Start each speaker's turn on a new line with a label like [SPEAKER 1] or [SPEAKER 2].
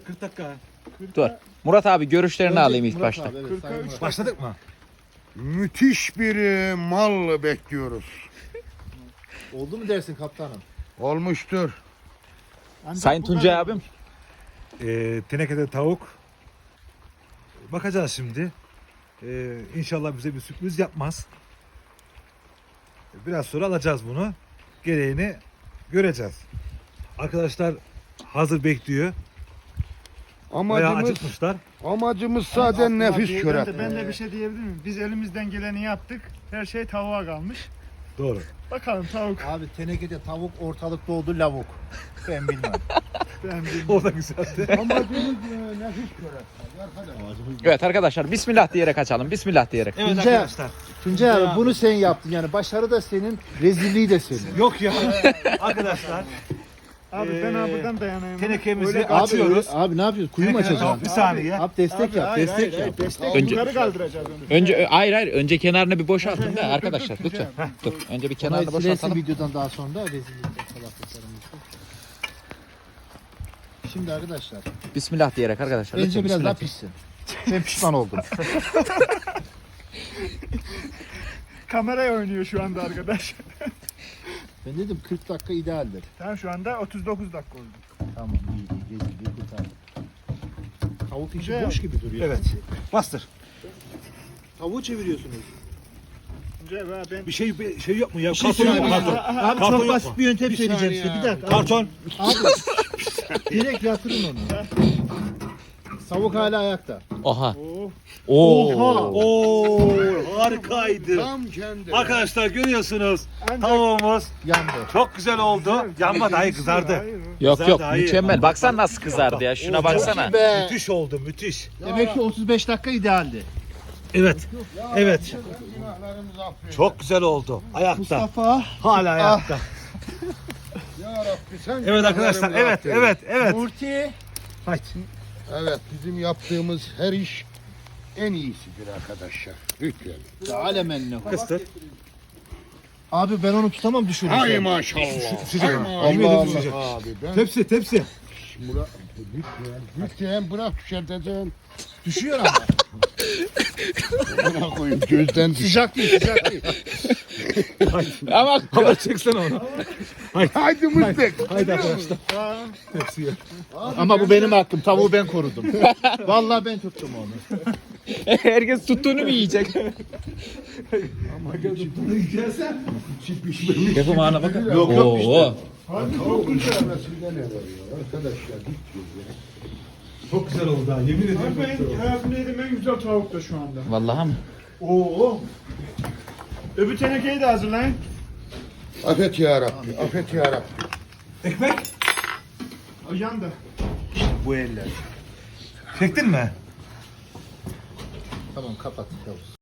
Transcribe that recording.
[SPEAKER 1] 40 dakika.
[SPEAKER 2] Dur. Murat abi görüşlerini
[SPEAKER 3] Önce
[SPEAKER 2] alayım ilk
[SPEAKER 3] Murat
[SPEAKER 2] başta.
[SPEAKER 3] abi, evet,
[SPEAKER 4] 40'a
[SPEAKER 3] Sayın
[SPEAKER 4] 3
[SPEAKER 3] Murat.
[SPEAKER 1] Başladık mı?
[SPEAKER 5] Müthiş bir mal bekliyoruz.
[SPEAKER 3] Oldu mu dersin kaptanım?
[SPEAKER 5] Olmuştur.
[SPEAKER 4] Ancak
[SPEAKER 2] Sayın
[SPEAKER 4] bu
[SPEAKER 2] Tuncay
[SPEAKER 4] kadar.
[SPEAKER 2] abim.
[SPEAKER 1] Tenekede tavuk. Bakacağız şimdi. İnşallah bize bir sürpriz yapmaz. Biraz sonra alacağız bunu. Gereğini göreceğiz. Arkadaşlar hazır bekliyor. Bayağı
[SPEAKER 5] Amacımız,
[SPEAKER 1] acıkmışlar.
[SPEAKER 5] amacımız zaten nefis köre.
[SPEAKER 4] Ben de bir şey diyebilir miyim? Biz elimizden geleni yaptık. Her şey tavuğa kalmış.
[SPEAKER 1] Doğru.
[SPEAKER 4] Bakalım tavuk.
[SPEAKER 3] Abi tenekede tavuk ortalıkta oldu lavuk. Ben bilmem.
[SPEAKER 4] Ben bilmiyorum.
[SPEAKER 1] O da güzeldi.
[SPEAKER 5] Amacımız nefis köre. Arkadaş.
[SPEAKER 2] Evet arkadaşlar bismillah diyerek açalım. Bismillah diyerek.
[SPEAKER 1] Evet
[SPEAKER 3] Tuncay-
[SPEAKER 1] arkadaşlar.
[SPEAKER 3] Tuncay abi bunu sen yaptın yani başarı da senin, rezilliği de senin.
[SPEAKER 1] Yok ya. Arkadaşlar.
[SPEAKER 4] Abi ben abi buradan dayanayım.
[SPEAKER 1] Tenekemizi
[SPEAKER 4] Öyle-
[SPEAKER 1] açıyoruz.
[SPEAKER 3] Abi ne yapıyoruz? Kuyu mu açacaksın?
[SPEAKER 1] Bir saniye.
[SPEAKER 3] Abi destek yap,
[SPEAKER 4] Hayır,
[SPEAKER 3] destek
[SPEAKER 4] hayır,
[SPEAKER 3] yap.
[SPEAKER 4] Destek
[SPEAKER 2] Önce-
[SPEAKER 4] yukarı kaldıracağız onu.
[SPEAKER 2] Önce hayır önce kenarını bir boşaltın da arkadaşlar
[SPEAKER 4] dur,
[SPEAKER 2] lütfen. Dur. Önce bir
[SPEAKER 3] Kenarı
[SPEAKER 2] kenarını
[SPEAKER 3] silersin
[SPEAKER 2] boşaltalım.
[SPEAKER 3] videodan daha sonra rezillikten salaklıklarımızı. Şimdi arkadaşlar
[SPEAKER 2] Bismillah diyerek arkadaşlar.
[SPEAKER 3] bence
[SPEAKER 2] lütfen,
[SPEAKER 3] biraz daha
[SPEAKER 2] bismillah.
[SPEAKER 3] pişsin. Ben pişman oldum.
[SPEAKER 4] Kameraya oynuyor şu anda arkadaş.
[SPEAKER 3] Ben dedim 40 dakika idealdir.
[SPEAKER 4] Tamam şu anda 39 dakika oldu.
[SPEAKER 3] Tamam iyi rezilliği kurtardık. Tavuk içi
[SPEAKER 4] Güzel.
[SPEAKER 3] boş gibi duruyor.
[SPEAKER 1] Evet. Bastır.
[SPEAKER 3] Tavuğu çeviriyorsunuz.
[SPEAKER 4] Tuncay be ben
[SPEAKER 1] Bir şey yok mu ya?
[SPEAKER 3] şey
[SPEAKER 1] Karton yok mu?
[SPEAKER 3] söyleyeyim.
[SPEAKER 1] Karton.
[SPEAKER 3] Abi
[SPEAKER 1] Karton
[SPEAKER 3] çok
[SPEAKER 1] yok
[SPEAKER 3] basit
[SPEAKER 1] mu?
[SPEAKER 3] bir yöntem söyleyeceğim
[SPEAKER 5] saniye
[SPEAKER 3] size. Bir
[SPEAKER 5] ya.
[SPEAKER 3] dakika.
[SPEAKER 1] Karton.
[SPEAKER 3] Abi direkt yatırın onu. Tavuk hala ayakta.
[SPEAKER 2] Oha.
[SPEAKER 4] Oh,
[SPEAKER 2] Oo.
[SPEAKER 1] Oo, harikaydı.
[SPEAKER 5] Tam kendi.
[SPEAKER 1] Arkadaşlar görüyorsunuz.
[SPEAKER 4] ancak
[SPEAKER 1] Tavuğumuz
[SPEAKER 3] Yandı.
[SPEAKER 1] çok güzel oldu. Yanma dahi kızardı.
[SPEAKER 4] Hayır,
[SPEAKER 2] Yok
[SPEAKER 1] Güzel
[SPEAKER 2] yok
[SPEAKER 1] daha iyi.
[SPEAKER 2] mükemmel. Baksana nasıl kızardı ya. Şuna baksana.
[SPEAKER 3] Be.
[SPEAKER 1] Müthiş oldu, müthiş.
[SPEAKER 3] Demek ki 35 dakika idealdi.
[SPEAKER 1] Evet. Evet.
[SPEAKER 5] Günahlarımızı affet.
[SPEAKER 1] Çok güzel oldu. Ayakta.
[SPEAKER 3] Mustafa.
[SPEAKER 1] Hala ayakta.
[SPEAKER 5] Ya Rabbi sen
[SPEAKER 1] Evet arkadaşlar.
[SPEAKER 5] günahlarımızı
[SPEAKER 1] Evet,
[SPEAKER 5] affet.
[SPEAKER 1] evet, evet.
[SPEAKER 3] Murti.
[SPEAKER 1] Haydi.
[SPEAKER 5] Evet bizim yaptığımız her iş en iyisidir arkadaşlar. Lütfen.
[SPEAKER 3] Alemenne.
[SPEAKER 1] Kıstır.
[SPEAKER 3] Abi ben onu tutamam düşürürüm.
[SPEAKER 5] Hay maşallah.
[SPEAKER 1] Sıcak.
[SPEAKER 5] Hay
[SPEAKER 1] Yemin ederim
[SPEAKER 5] maşallah
[SPEAKER 1] sıcak.
[SPEAKER 5] abi. Ben
[SPEAKER 1] Tepsi, tepsi.
[SPEAKER 5] Murat, lütfen bırak düşerteceksin.
[SPEAKER 3] Düşüyor ama.
[SPEAKER 5] Bırak koyun gözden düş.
[SPEAKER 3] Sıcak değil, sıcak değil.
[SPEAKER 2] Ama
[SPEAKER 1] Ama çeksene onu.
[SPEAKER 5] Haydi Mıstık.
[SPEAKER 1] Haydi arkadaşlar. Tepsiye.
[SPEAKER 3] Ama bu benim hakkım. Tavuğu ben korudum. Vallahi ben tuttum onu.
[SPEAKER 2] herkes tuttuğunu mu yiyecek? Yapımağına bakın.
[SPEAKER 3] Yok, yok işte.
[SPEAKER 2] Oo.
[SPEAKER 5] Tavuk arasında ne var ya arkadaşlar?
[SPEAKER 1] Çok güzel oldu ha. Yemin ediyorum.
[SPEAKER 4] Abi ben hayatımda yediğim en güzel tavuk da şu anda.
[SPEAKER 2] Vallahi mı?
[SPEAKER 4] Oo. Öbür tenekeyi de hazırlayın.
[SPEAKER 5] Affet ya Rabbi. Affet ya Rabbi.
[SPEAKER 1] Ekmek.
[SPEAKER 4] O yandı.
[SPEAKER 1] Bu eller. Çektin mi?
[SPEAKER 3] Tamam kapat. Yavuz.